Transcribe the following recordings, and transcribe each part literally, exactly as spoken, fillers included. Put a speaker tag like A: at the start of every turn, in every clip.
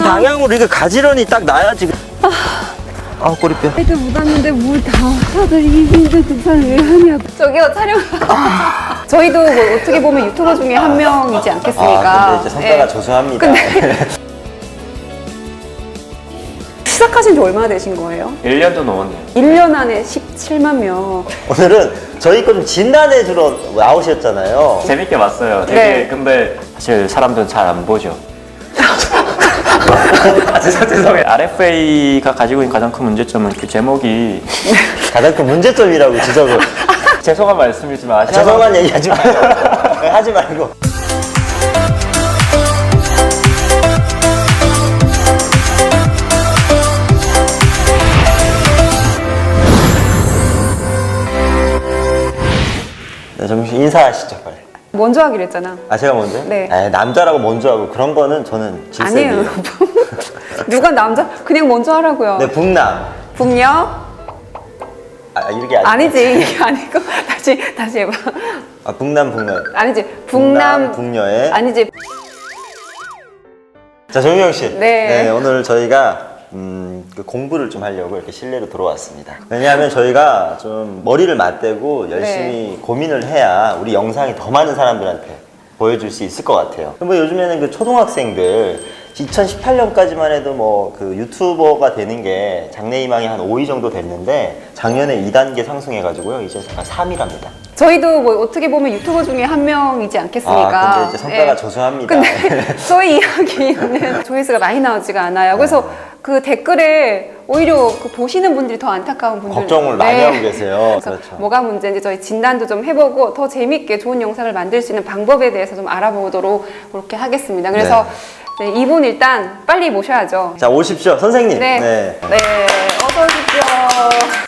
A: 방향으로 이렇게 가지런히 딱 놔야지. 아, 꼬리뼈.
B: 애들 묻었는데 물 다 다들 이긴데 등산 왜 하냐고. 저기요, 촬영. 저희도 뭐 어떻게 보면 유튜버 중에 한 명이지 않겠습니까?
A: 아, 근데 이제 성과가
B: 예.
A: 조소합니다.
B: 근데 시작하신 지 얼마나 되신 거예요?
C: 일 년도 넘었네요.
B: 일 년 안에 십칠만 명.
A: 오늘은 저희 거 좀 진단해 주러 나오셨잖아요.
C: 재밌게 봤어요. 되게
B: 네.
C: 근데 사실 사람들은 잘 안 보죠. 아, 죄송, 죄송해요. 알에프에이가 가지고 있는 가장 큰 문제점은 그 제목이
A: 가장 큰 문제점이라고 지적을.
C: 죄송한 말씀이지만 아시아
A: 죄송한 얘기 하지 말고. 하지 말고. 네, 좀 인사하시죠, 빨리.
B: 먼저 하기로 했잖아.
A: 아, 제가 먼저요?
B: 네.
A: 에, 남자라고 먼저 하고 그런 거는 저는 질색이에요.
B: 아니에요. 누가 남자? 그냥 먼저 하라고요.
A: 네, 북남.
B: 북녀?
A: 아, 이렇게 아니
B: 아니지. 이게 아니고. 다시, 다시 해봐.
A: 아, 북남, 북녀.
B: 아니지. 북남.
A: 북녀의.
B: 아니지.
A: 자, 정유영 씨.
B: 네.
A: 오늘 저희가 음, 그 공부를 좀 하려고 이렇게 실내로 들어왔습니다. 왜냐하면 저희가 좀 머리를 맞대고 열심히
B: 네.
A: 고민을 해야 우리 영상이 더 많은 사람들한테 보여줄 수 있을 것 같아요. 뭐 요즘에는 그 초등학생들 이천십팔 년까지만 해도 뭐 그 유튜버가 되는 게 장래희망이 한 오 위 정도 됐는데 작년에 이 단계 상승해가지고요. 이제 삼 위랍니다.
B: 저희도 뭐 어떻게 보면 유튜버 중에 한 명이지 않겠습니까?
A: 아, 근데 이제 성과가
B: 예.
A: 조소합니다.
B: 근데 저희 이야기는 조회수가 많이 나오지가 않아요. 그래서 그 댓글에 오히려 그 보시는 분들이 더 안타까운 분들
A: 걱정을 많이 하고 계세요.
B: 그래서
A: 그렇죠.
B: 뭐가 문제인지 저희 진단도 좀 해보고 더 재밌게 좋은 영상을 만들 수 있는 방법에 대해서 좀 알아보도록 그렇게 하겠습니다. 그래서 네, 이분 일단 빨리 모셔야죠.
A: 자, 오십시오. 선생님.
B: 네, 네, 어서 오십시오.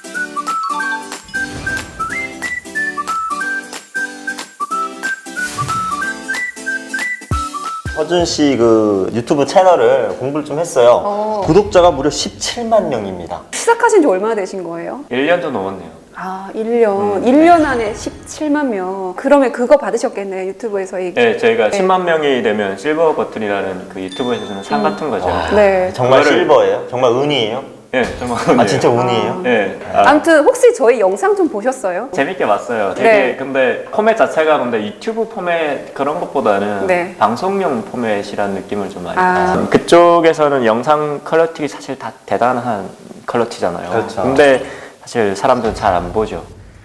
A: 허준 씨 그 유튜브 채널을 공부를 좀 했어요.
B: 어.
A: 구독자가 무려 십칠만 명입니다.
B: 시작하신 지 얼마나 되신 거예요?
C: 일 년도 넘었네요.
B: 아, 일 년.
A: 음,
B: 일 년 안에 십칠만 명. 그러면 그거 받으셨겠네요, 유튜브에서. 이
C: 네, 저희가
B: 네.
C: 십만 명이 되면 실버 버튼이라는 그 유튜브에서 주는 상 같은 거죠.
B: 네.
A: 정말
C: 그거를-
A: 실버예요? 정말 운이에요?
C: 네, 정말.
A: 아, 진짜 운이에요?
C: 네. 아,
B: 아무튼 혹시 저희 영상 좀 보셨어요?
C: 재밌게 봤어요. 되게
B: 네.
C: 근데 포맷 자체가 근데 유튜브 포맷 그런 것보다는
B: 네.
C: 방송용 포맷이라는 느낌을 좀 많이
B: 아.
C: 받았어요. 그쪽에서는 영상 퀄리티 사실 다 대단한 퀄리티잖아요.
A: 그렇죠.
C: 근데 사실 사람들은 잘 안 보죠.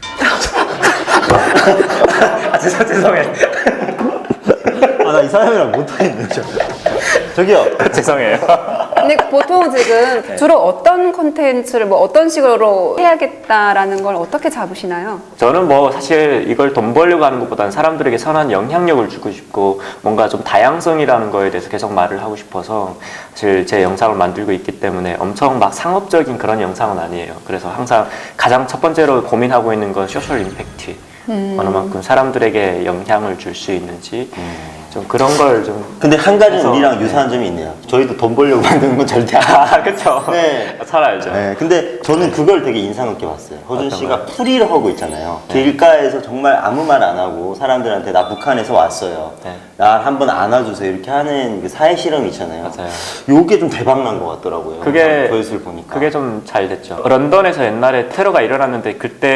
C: 아, 죄송, 죄송해요.
A: 아, 나 이 사람이랑 못하겠네, 저. 저기요.
C: 죄송해요.
B: 근데 보통 지금
C: 네.
B: 주로 어떤 콘텐츠를 뭐 어떤 식으로 해야겠다라는 걸 어떻게 잡으시나요?
C: 저는 뭐 사실 이걸 돈 벌려고 하는 것보다는 사람들에게 선한 영향력을 주고 싶고 뭔가 좀 다양성이라는 거에 대해서 계속 말을 하고 싶어서 사실 제 영상을 만들고 있기 때문에 엄청 막 상업적인 그런 영상은 아니에요. 그래서 항상 가장 첫 번째로 고민하고 있는 건 소셜 임팩트.
B: 음.
C: 어느 만큼 사람들에게 영향을 줄 수 있는지 좀 그런 걸 좀.
A: 근데 한 가지는
C: 그래서-
A: 우리랑 유사한 점이 있네요. 저희도 돈 벌려고 만드는 건 절대 아니에요.
C: 아, 그쵸.
A: 네.
C: 잘 알죠.
A: 네, 근데 저는 그걸 되게 인상 깊게 봤어요. 허준
C: 어떤
A: 씨가
C: 거요?
A: 풀이를 하고 있잖아요.
C: 네.
A: 길가에서 정말 아무 말 안 하고 사람들한테 나 북한에서 왔어요.
C: 네.
A: 나 한번 안아주세요. 이렇게 하는 그 사회 실험이 있잖아요.
C: 맞아요.
A: 요게 좀 대박 난 것 같더라고요.
C: 그게-
A: 조회수를 보니까.
C: 그게 좀 잘 됐죠. 런던에서 옛날에 테러가 일어났는데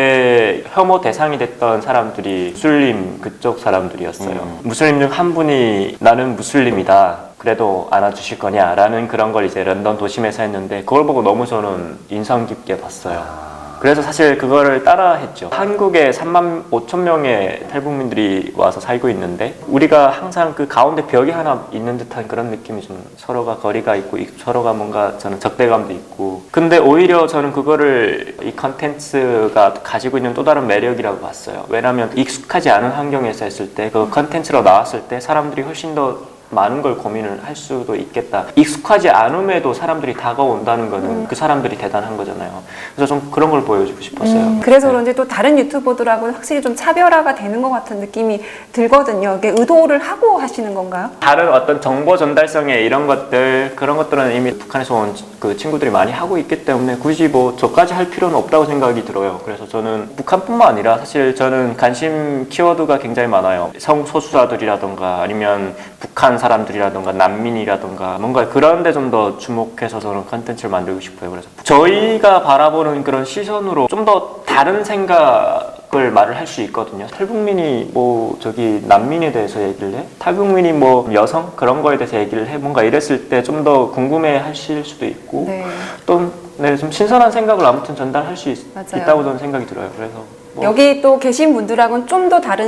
C: 그때 혐오 대상이 됐던 사람들이 무슬림 그쪽 사람들이었어요.
A: 음.
C: 무슬림 중 한 분이 나는 무슬림이다. 그래도 안아주실 거냐? 라는 그런 걸 이제 런던 도심에서 했는데 그걸 보고 너무 저는 인상 깊게 봤어요. 그래서 사실 그거를 따라 했죠. 한국에 삼만 오천 명의 탈북민들이 와서 살고 있는데 우리가 항상 그 가운데 벽이 하나 있는 듯한 그런 느낌이 좀 서로가 거리가 있고 서로가 뭔가 저는 적대감도 있고 근데 오히려 저는 그거를 이 컨텐츠가 가지고 있는 또 다른 매력이라고 봤어요. 왜냐하면 익숙하지 않은 환경에서 했을 때 그 컨텐츠로 나왔을 때 사람들이 훨씬 더 많은 걸 고민을 할 수도 있겠다. 익숙하지 않음에도 사람들이 다가온다는 거는
B: 음.
C: 그 사람들이 대단한 거잖아요. 그래서 좀 그런 걸 보여주고 싶었어요.
B: 음, 그래서
C: 네.
B: 그런지 또 다른 유튜버들하고는 확실히 좀 차별화가 되는 것 같은 느낌이 들거든요. 이게 의도를 하고 하시는 건가요?
C: 다른 어떤 정보 전달성의 이런 것들 그런 것들은 이미 북한에서 온 그 친구들이 많이 하고 있기 때문에 굳이 뭐 저까지 할 필요는 없다고 생각이 들어요. 그래서 저는 북한뿐만 아니라 사실 저는 관심 키워드가 굉장히 많아요. 성소수자들이라던가 아니면 북한 약한 사람들이라던가 난민이라던가 뭔가 그런 데 좀 더 주목해서 저는 컨텐츠를 만들고 싶어요. 그래서 저희가 바라보는 그런 시선으로 좀 더 다른 생각을 말을 할 수 있거든요. 탈북민이 뭐 저기 난민에 대해서 얘기를 해? 탈북민이 뭐 여성 그런 거에 대해서 얘기를 해? 뭔가 이랬을 때 좀 더 궁금해 하실 수도 있고
B: 네.
C: 또 네, 좀 신선한 생각을 아무튼 전달할 수 있,
B: 맞아요.
C: 있다고 저는 생각이 들어요. 그래서 뭐
B: 여기 또 계신 분들하고는 좀 더 다른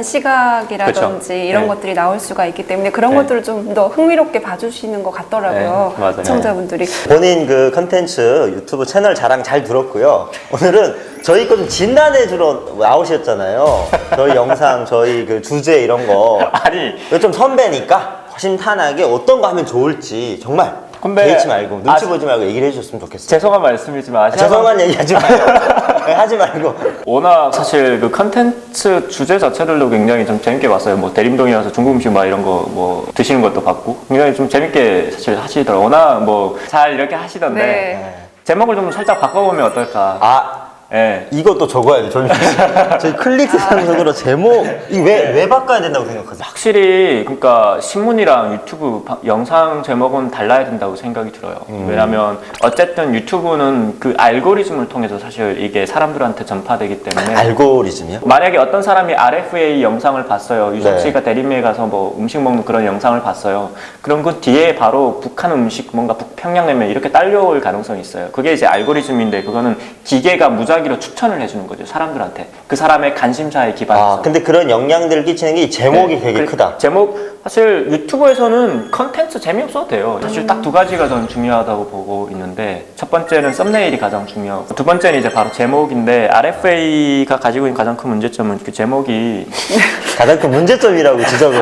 B: 시각이라든지
C: 그쵸.
B: 이런
C: 네.
B: 것들이 나올 수가 있기 때문에 그런
C: 네.
B: 것들을 좀 더 흥미롭게 봐주시는 것 같더라고요.
C: 네, 맞아요.
B: 시청자분들이.
A: 본인 그 컨텐츠 유튜브 채널 자랑 잘 들었고요. 오늘은 저희 거 좀 진단해 주러 나오셨잖아요. 저희 영상, 저희 그 주제 이런 거.
C: 아니
A: 이거 좀 선배니까 허심탄회하게 어떤 거 하면 좋을지 정말
C: 근데
A: 개의치 말고 눈치
C: 아,
A: 보지 말고 얘기를 해주셨으면 좋겠어요.
C: 죄송한 말씀이지만
A: 아,
C: 아시아
A: 죄송한 얘기 하지 마요. 네, 하지 말고.
C: 워낙 사실 그 컨텐츠 주제 자체들도 굉장히 좀 재밌게 봤어요. 뭐 대림동에 와서 중국 음식 막 이런 거 뭐 드시는 것도 봤고 굉장히 좀 재밌게 사실 하시더라고요. 워낙 뭐 잘 이렇게 하시던데
B: 네.
C: 제목을 좀 살짝 바꿔보면 어떨까.
A: 아,
C: 예.
A: 이것도 적어야 돼. 저희, 저희 클릭스 상속으로 제목, 이 왜, 왜 바꿔야 된다고 생각하세요?
C: 확실히 그러니까 신문이랑 유튜브 바- 영상 제목은 달라야 된다고 생각이 들어요.
A: 음.
C: 왜냐하면 어쨌든 유튜브는 그 알고리즘을 통해서 사실 이게 사람들한테 전파되기 때문에
A: 알고리즘이요?
C: 만약에 어떤 사람이 알에프에이 영상을 봤어요. 유석
A: 네.
C: 씨가 대림에 가서 뭐 음식 먹는 그런 영상을 봤어요. 그럼 그 뒤에 바로 북한 음식, 뭔가 북평양냉면 이렇게 딸려올 가능성이 있어요. 그게 이제 알고리즘인데 그거는 기계가 무작위로 추천을 해주는 거죠. 사람들한테. 그 사람의 관심사에 기반해서.
A: 아, 근데 그런 영향들을 끼치는 게 이 제목이
C: 네.
A: 되게
C: 그
A: 크다.
C: 제목 사실 유튜브에서는 컨텐츠 재미없어도 돼요. 사실 딱 두 가지가 저는 중요하다고 보고 있는데 첫 번째는 썸네일이 가장 중요하고 두 번째는 이제 바로 제목인데 알에프에이가 가지고 있는 가장 큰 문제점은 그 제목이
A: 가장 큰 문제점이라고 지적을.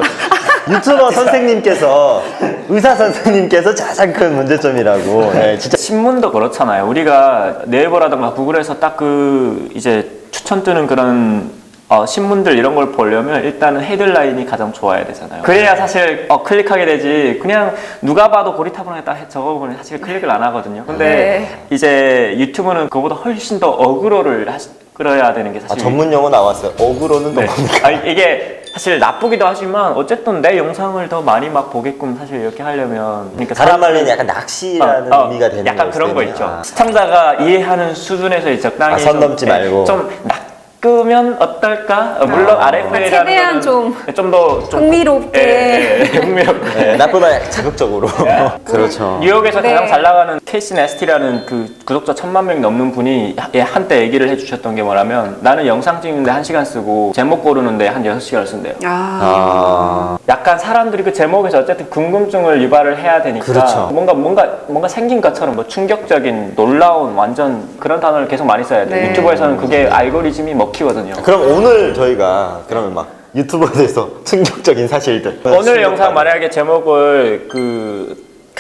A: 유튜버 선생님께서, 의사 선생님께서 가장 큰 문제점이라고. 네, 진짜.
C: 신문도 그렇잖아요. 우리가 네이버라든가 구글에서 딱 그 이제 추천 뜨는 그런 어, 신문들 이런 걸 보려면 일단은 헤드라인이 가장 좋아야 되잖아요. 그래야 사실 어, 클릭하게 되지. 그냥 누가 봐도 고리타분하게 딱 적어보면 사실 클릭을 안 하거든요. 근데
B: 네.
C: 이제 유튜브는 그보다 훨씬 더 어그로를 하시, 끌어야 되는 게
A: 아,
C: 사실
A: 전문 용어 나왔어요. 어그로는 또
C: 네.
A: 뭡니까?
C: 아, 이게 사실 나쁘기도 하지만 어쨌든 내 영상을 더 많이 막 보게끔 사실 이렇게 하려면 그러니까
A: 다른 말로는 약간 낚시라는
C: 어, 어,
A: 의미가 되는
C: 약간 그런 거
A: 때문에.
C: 있죠.
A: 아.
C: 시청자가 이해하는 수준에서 적당히
A: 아, 선
C: 좀,
A: 넘지
C: 네,
A: 말고.
C: 좀 낚으면 어떨까? 어, 물론
A: 아.
C: 알에프에이라는
B: 최대한 좀
C: 좀더
B: 흥미롭게.
C: 예, 예, 흥미롭게.
A: 네, 나쁘다 약간 자극적으로. 그렇죠.
C: 뉴욕에서
B: 네.
C: 가장 잘 나가는 케이시 네스티라는 그 구독자 천만 명이 넘는 분이 하- 예, 한때 얘기를 해주셨던 게 뭐냐면 나는 영상 찍는데 한 시간 쓰고 제목 고르는데 한 여섯 시간을 쓴대요.
B: 아.
A: 아,
C: 약간 사람들이 그 제목에서 어쨌든 궁금증을 유발을 해야 되니까
A: 그렇죠.
C: 뭔가 뭔가 뭔가 생긴 것처럼 뭐 충격적인 놀라운 완전 그런 단어를 계속 많이 써야 돼요.
B: 네.
C: 유튜브에서는 그게 알고리즘이 먹히거든요.
A: 그럼 오늘 저희가 그러면 막 유튜브에 대해서 충격적인 사실들.
C: 오늘 영상 만약에 제목을 그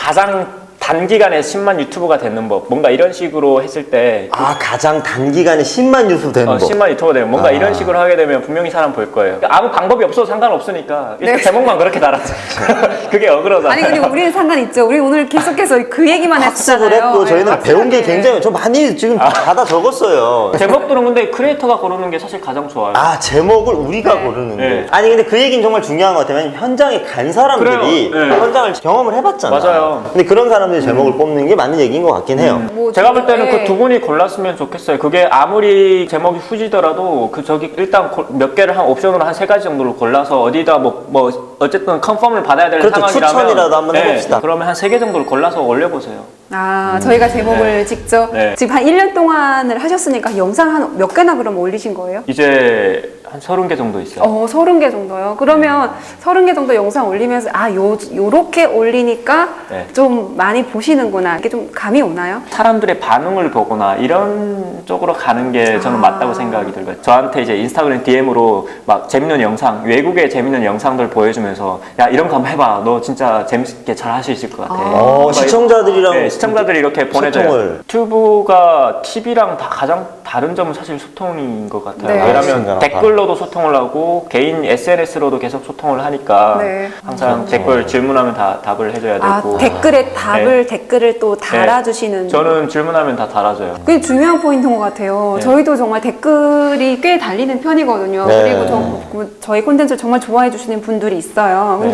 C: 가장 단기간에 십만 유튜버가 되는 법 뭔가 이런 식으로 했을 때
A: 아, 가장 단기간에 십만 유튜브 되는
C: 어,
A: 법.
C: 십만 유튜버 되면 뭔가
A: 아.
C: 이런 식으로 하게 되면 분명히 사람 볼 거예요. 아무 방법이 없어도 상관없으니까 일단
B: 네.
C: 제목만 그렇게 달았죠. 그게 어그러잖아요.
B: 아니 그리고 우리는 상관 있죠. 우리 오늘 계속해서 그 얘기만
A: 학습을
B: 했잖아요.
A: 했고 저희는
B: 네,
A: 배운 게
B: 확실하게.
A: 굉장히 저 많이 지금 받아 적었어요.
C: 제목들은 근데 크리에이터가 고르는 게 사실 가장 좋아요.
A: 아, 제목을 우리가
B: 네.
A: 고르는데.
C: 네.
A: 아니 근데 그 얘기는 정말 중요한 것 같아요. 왜냐면 현장에 간 사람들이
C: 그래요. 네.
A: 현장을 경험을 해봤잖아.
C: 맞아요.
A: 근데 그런 사람들이 제목을 뽑는 게 맞는 얘기인 것 같긴 해요.
B: 뭐
C: 제가 볼 때는
B: 네.
C: 그 두 분이 골랐으면 좋겠어요. 그게 아무리 제목이 후지더라도 그 저기 일단 고- 몇 개를 한 옵션으로 한 세 가지 정도를 골라서 어디다 뭐, 뭐 어쨌든 컨펌을 받아야 될
A: 그렇죠.
C: 상황이라면
A: 추천이라도 한번 해봅시다.
C: 그러면 한 세 개 정도를 골라서 올려보세요.
B: 아, 저희가 제목을 직접
C: 네.
B: 지금 한 일 년 동안을 하셨으니까 영상 한 몇 개나 그럼 올리신 거예요?
C: 이제 한 서른 개 정도 있어요.
B: 어, 서른 개 정도요. 그러면 서른 개 정도 영상 올리면서 아, 요 요렇게 올리니까
C: 네.
B: 좀 많이 보시는구나. 이게 좀 감이 오나요?
C: 사람들의 반응을 보거나 이런 쪽으로 가는 게 저는
B: 아.
C: 맞다고 생각이 들고요. 저한테 이제 인스타그램 디엠으로 막 재밌는 영상, 외국의 재밌는 영상들 보여주면서 야 이런 거 한번 해봐. 너 진짜 재밌게 잘 할 수 있을 것 같아.
A: 어,
C: 막
A: 시청자들이랑
C: 네, 시청자들이 이렇게 보내줘요.
A: 소통을.
C: 유튜브가 티비랑 다 가장 다른 점은 사실 소통인 것 같아요.
B: 네.
C: 왜냐하면
A: 시청자랑
C: 댓글로도 소통을 하고 개인 에스엔에스로도 계속 소통을 하니까
B: 네.
C: 항상 댓글 질문하면 다 답을 해줘야
B: 아,
C: 되고
B: 댓글에 답을 댓글을 또 달아주시는.
C: 네. 저는 질문하면 다 달아줘요.
B: 그게 중요한 포인트인 것 같아요.
C: 네.
B: 저희도 정말 댓글이 꽤 달리는 편이거든요.
A: 네.
B: 그리고 저, 그 저희 콘텐츠를 정말 좋아해 주시는 분들이 있어요. 근데
C: 네.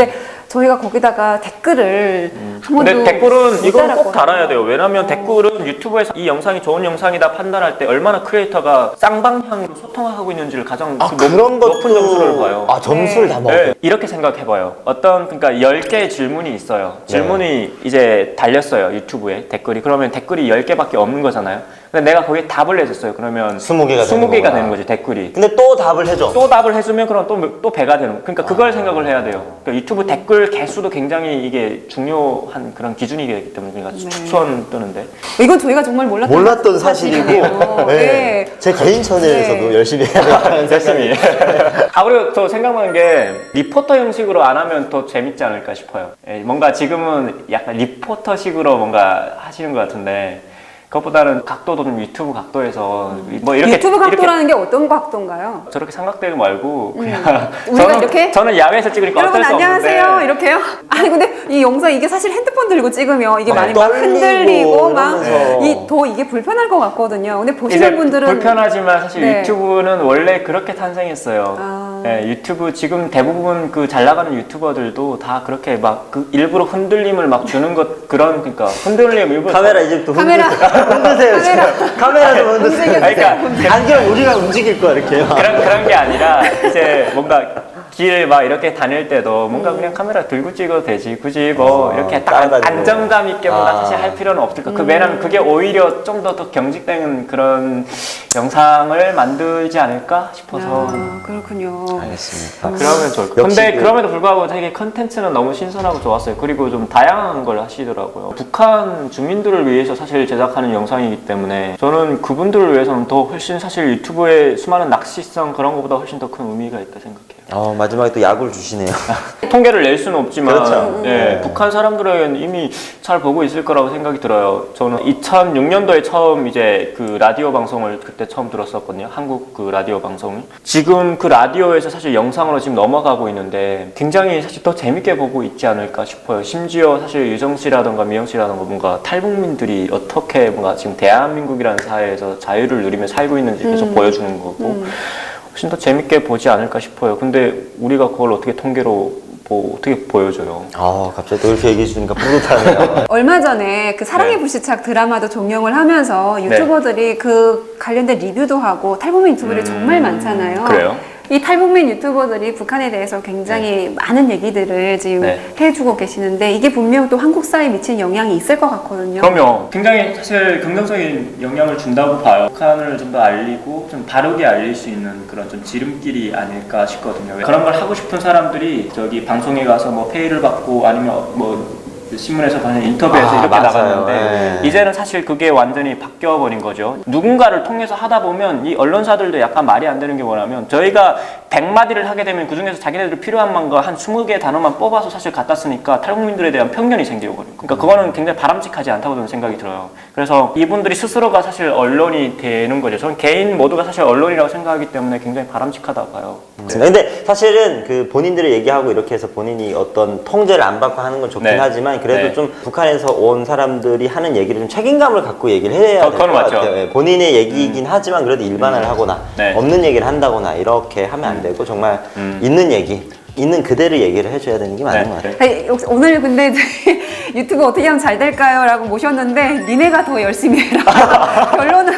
B: 저희가 거기다가 댓글을 한 번도
C: 근데 댓글은
B: 못
C: 이건 꼭
B: 달았거든요.
C: 달아야 돼요. 왜냐면 댓글은 유튜브에서 이 영상이 좋은 영상이다 판단할 때 얼마나 크리에이터가 쌍방향으로 소통하고 있는지를 가장
A: 아,
C: 그
A: 그런
C: 높,
A: 것도
C: 높은 점수를 봐요.
A: 아, 점수를
B: 네.
A: 다 먹어요.
C: 네, 이렇게 생각해봐요. 어떤 그러니까 열 개의 질문이 있어요. 질문이 이제 달렸어요 유튜브에 댓글이. 그러면 댓글이 열 개밖에 없는 거잖아요. 근데 내가 거기에 답을 해줬어요. 그러면
A: 스무 개가
C: 스무
A: 되는
C: 개가
A: 거구나.
C: 되는 거지 댓글이.
A: 근데 또 답을 해줘.
C: 또 답을 해주면 그럼 또, 또 배가 되는 거. 그러니까 그걸 생각을 해야 돼요. 그러니까 유튜브 댓글 개수도 굉장히 이게 중요한 그런 기준이기 때문에 그러니까
B: 네.
C: 추천 뜨는데.
B: 이건 저희가 정말 몰랐던,
A: 몰랐던 사실이고,
B: 사실이네요.
A: 네.
B: 네.
A: 제 개인 채널에서도
B: 네.
A: 열심히 해야 되는
C: 열심히. 아 그리고 또 생각나는 게 리포터 형식으로 안 하면 더 재밌지 않을까 싶어요. 예, 뭔가 지금은 약간 리포터식으로 뭔가 하시는 것 같은데 그것보다는 각도도 좀 유튜브 각도에서 뭐 이렇게
B: 유튜브
C: 이렇게
B: 각도라는 게 어떤 각도인가요?
C: 저렇게 삼각대고 말고 그냥
B: 음. 우리가
C: 저는,
B: 이렇게?
C: 저는 야외에서 찍으니까
B: 여러분
C: 어쩔 수
B: 안녕하세요
C: 없는데
B: 이렇게요? 아니 근데 이 영상 이게 사실 핸드폰 들고 찍으면 이게
A: 막
B: 많이 막
A: 떨리고
B: 흔들리고
A: 이러면서.
B: 막 이 더 이게 불편할 것 같거든요. 근데
C: 이제
B: 보시는 분들은
C: 불편하지만 사실
B: 네.
C: 유튜브는 원래 그렇게 탄생했어요.
B: 아.
C: 예, 유튜브 지금 대부분 그 잘 나가는 유튜버들도 다 그렇게 막 그 일부러 흔들림을 막 주는 것 그런 그러니까 흔들림 일부러
A: 카메라 이제부터
B: 카메라.
A: 흔드세요. 흔드세요. 지금. 카메라도 흔드세요.
B: 움직여주세요.
C: 아니, 그러니까
A: 안 그럼 우리가 움직일 거야 이렇게.
C: 그런 그런 게 아니라 이제 뭔가 길 막 이렇게 다닐 때도 뭔가 그냥 카메라 들고 찍어도 되지 굳이 뭐
A: 아,
C: 이렇게 딱
A: 따라다니고.
C: 안정감 있게 뭔가
A: 아.
C: 사실 할 필요는 없을 거. 그 왜냐면 그게 오히려 좀 더 더 경직된 그런 영상을 만들지 않을까 싶어서.
B: 아, 그렇군요.
A: 알겠습니다.
C: 아, 그러면 좋을 것
A: 역시
C: 근데
A: 그-
C: 그럼에도 불구하고 되게 컨텐츠는 너무 신선하고 좋았어요. 그리고 좀 다양한 걸 하시더라고요. 북한 주민들을 위해서 사실 제작하는 영상이기 때문에 저는 그분들을 위해서는 더 훨씬 사실 유튜브의 수많은 낚시성 그런 것보다 훨씬 더 큰 의미가 있다 생각해요.
A: 어, 마지막에 또 약을 주시네요.
C: 통계를 낼 수는 없지만
A: 그렇죠.
C: 예,
A: 네.
C: 북한 사람들에게는 이미 잘 보고 있을 거라고 생각이 들어요. 저는 이천육 년도에 처음 이제 그 라디오 방송을 그때 처음 들었었거든요. 한국 그 라디오 방송을. 지금 그 라디오에서 사실 영상으로 지금 넘어가고 있는데 굉장히 사실 더 재밌게 보고 있지 않을까 싶어요. 심지어 사실 유정 씨라던가 미영 씨라던가 뭔가 탈북민들이 어떻게 뭔가 지금 대한민국이라는 사회에서 자유를 누리며 살고 있는지 계속
B: 음.
C: 보여주는 거고 훨씬 더 재밌게 보지 않을까 싶어요. 근데 우리가 그걸 어떻게 통계로 뭐 어떻게 보여줘요?
A: 아, 갑자기 또 이렇게 얘기해 주니까 뿌듯하네요.
B: 얼마 전에 그 사랑의
C: 네.
B: 불시착 드라마도 종영을 하면서 유튜버들이 그 관련된 리뷰도 하고 탈북민 유튜버들이
C: 음,
B: 정말 많잖아요.
C: 그래요?
B: 이 탈북민 유튜버들이 북한에 대해서 굉장히 많은 얘기들을 지금
C: 네.
B: 해주고 계시는데 이게 분명 또 한국 사회에 미친 영향이 있을 것 같거든요.
C: 그럼요. 굉장히 사실 긍정적인 영향을 준다고 봐요. 북한을 좀 더 알리고 좀 바르게 알릴 수 있는 그런 좀 지름길이 아닐까 싶거든요. 그런 걸 하고 싶은 사람들이 저기 방송에 가서 뭐 페이를 받고 아니면 뭐 신문에서 받는 인터뷰에서
A: 아,
C: 이렇게
A: 맞아요.
C: 나갔는데
A: 네.
C: 이제는 사실 그게 완전히 바뀌어 버린 거죠. 누군가를 통해서 하다 보면 이 언론사들도 약간 말이 안 되는 게 뭐냐면 저희가 백 마디를 하게 되면 그중에서 자기네들 필요한 만거 한 스무 개 단어만 뽑아서 사실 갖다 쓰니까 탈북민들에 대한 편견이 생기거든요. 그러니까 그거는 굉장히 바람직하지 않다고 저는 생각이 들어요. 그래서 이분들이 스스로가 사실 언론이 되는 거죠. 저는 개인 모두가 사실 언론이라고 생각하기 때문에 굉장히 바람직하다고 봐요.
A: 근데 사실은 그 본인들의 얘기하고 이렇게 해서 본인이 어떤 통제를 안 받고 하는 건 좋긴
C: 네.
A: 하지만 그래도
C: 네.
A: 좀 북한에서 온 사람들이 하는 얘기를 좀 책임감을 갖고 얘기를 해야
C: 어,
A: 될 것
C: 그건 맞죠.
A: 같아요. 예, 본인의 얘기이긴 하지만 그래도 일반화를 하거나
C: 네.
A: 없는 얘기를 한다거나 이렇게 하면 안 되고 정말
C: 음.
A: 있는 얘기, 있는 그대로 얘기를 해줘야 되는 게 맞는
C: 네.
A: 것 같아요.
B: 아니, 역시 오늘 근데 저희 유튜브 어떻게 하면 잘 될까요? 라고 모셨는데 니네가 더 열심히 해라. 결론은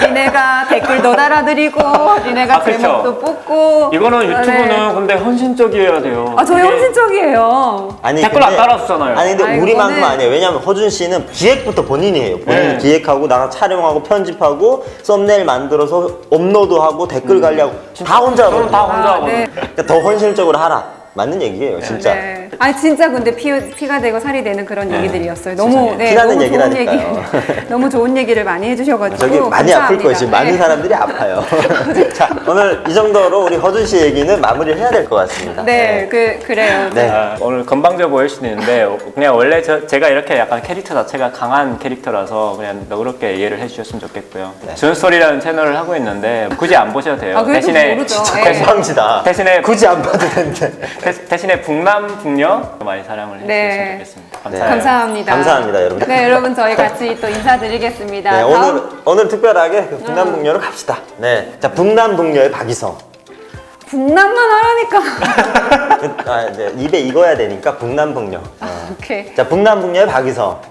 B: 니네가 댓글도 달아드리고 니네가
C: 아, 그렇죠.
B: 제목도 뽑고
C: 이거는 유튜브는
B: 네.
C: 근데 헌신적이어야 돼요.
B: 아 저희
C: 이게
B: 헌신적이에요.
A: 아니,
C: 댓글 안 달아주잖아요.
A: 아니 근데
B: 아니,
A: 우리만큼
B: 그거는-
A: 아니에요. 왜냐면 허준 씨는 기획부터 본인이 해요. 본인이
C: 네.
A: 기획하고 나가 촬영하고 편집하고 썸네일 만들어서 업로드하고 댓글 관리하고 다 혼자
C: 저는
A: 하거든요.
C: 다 혼자
B: 아,
C: 하거든요.
B: 네.
A: 그러니까 더 헌신적으로 하라. 맞는 얘기예요, 진짜.
B: 네. 아니 진짜 근데 피, 피가 되고 살이 되는 그런 얘기들이었어요. 너무
A: 세상에.
B: 네,
A: 피나는
B: 너무 좋은 얘기,
A: 얘기라니까요.
B: 너무 좋은 얘기를 많이 해주셔가지고
A: 저기 많이 아플
B: 감사합니다.
A: 거예요. 지금 많은
B: 네.
A: 사람들이 아파요. 자, 오늘 이 정도로 우리 허준 씨 얘기는 마무리를 해야 될 것 같습니다.
B: 네, 그 그래요.
A: 네.
C: 아, 오늘 건방져 보일 수는 있는데 그냥 원래 저, 제가 이렇게 약간 캐릭터 자체가 강한 캐릭터라서 그냥 너그럽게 이해를 해주셨으면 좋겠고요.
A: 네.
C: 준스토리라는 채널을 하고 있는데 굳이 안 보셔도 돼요.
B: 아, 그래도
C: 대신에
B: 모르죠.
C: 대-
B: 네.
A: 건방지다.
C: 대신에
A: 굳이 안 봐도 되는데.
C: 대, 대신에 북남 북녀 많이 사랑을 해주셨으면
B: 네.
C: 좋겠습니다.
A: 네.
C: 감사해요.
B: 감사합니다.
A: 감사합니다, 여러분.
B: 네, 여러분 저희 같이 또 인사드리겠습니다.
A: 네,
B: 다음-
A: 오늘, 오늘 특별하게 그 북남북녀로 갑시다. 네. 자, 북남북녀의 박이성.
B: 북남만 하라니까.
A: 아, 이제 입에 익어야 되니까 북남북녀. 어.
B: 오케이.
A: 자, 북남북녀의 박이성.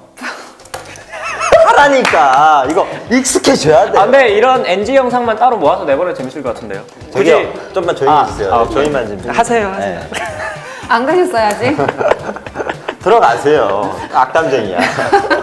A: 하라니까 이거 익숙해져야 돼.
C: 아, 근데 이런 엔지 영상만 따로 모아서 내보내면 재밌을 것 같은데요.
A: 저기요, 좀만 조용히
C: 아,
A: 해주세요.
C: 아, 오케이.
A: 저희만 좀
C: 하세요, 하세요.
A: 네.
B: 안 가셨어야지.
A: 들어가세요. 악담쟁이야.